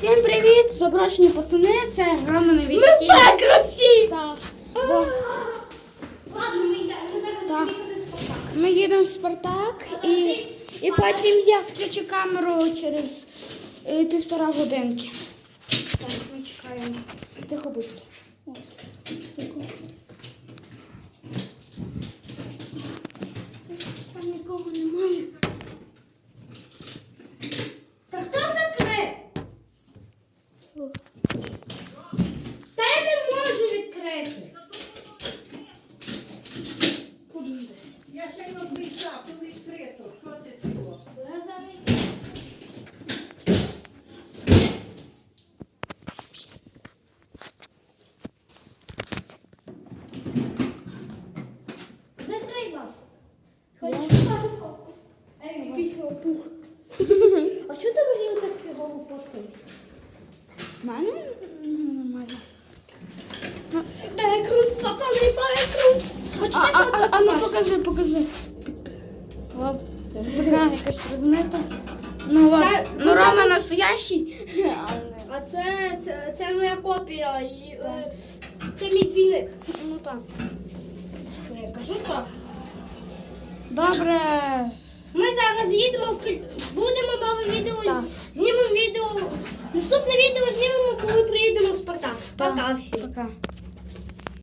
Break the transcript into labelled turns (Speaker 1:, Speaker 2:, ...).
Speaker 1: Всім привіт! Запрошені пацани, це грама на віки.
Speaker 2: Ми пекровці!
Speaker 1: Так.
Speaker 2: Ладно, ми йдемо. Ми зараз
Speaker 1: Так.
Speaker 2: будемо їхати в Спартак.
Speaker 1: Ми їдемо в Спартак і потім я включу камеру через 1,5 годинки. Так, ми чекаємо. Тихо будьте. От. Тихо. Там нікого немає.
Speaker 2: Та хто закрив? Та я не можу відкрити.
Speaker 1: Подожди.
Speaker 3: Я ще не прийшла, коли відкрито. Що ти було?
Speaker 2: Я зараз. Закрий вам. Хочеш фото фотку? Якийсь опух. А чого ти Марію так фігово фоткаєш?
Speaker 1: Мене нормально.
Speaker 2: Бекрут, пацани, бекрут. Хочете фото?
Speaker 1: А ну покажи. Оп, така якась розмита. Ну от,
Speaker 2: Та,
Speaker 1: ну
Speaker 2: ну,
Speaker 1: Рома
Speaker 2: там-
Speaker 1: настоящий.
Speaker 2: А це моя копія. І, це мій двійник.
Speaker 1: Ну так.
Speaker 2: Я кажу так.
Speaker 1: Добре.
Speaker 2: Ми зараз їдемо, будемо нове відео,
Speaker 1: Так.
Speaker 2: знімемо відео. Наступне відео знімемо, коли приїдемо в Спартак.
Speaker 1: Так.
Speaker 2: Пока всім.
Speaker 1: Пока.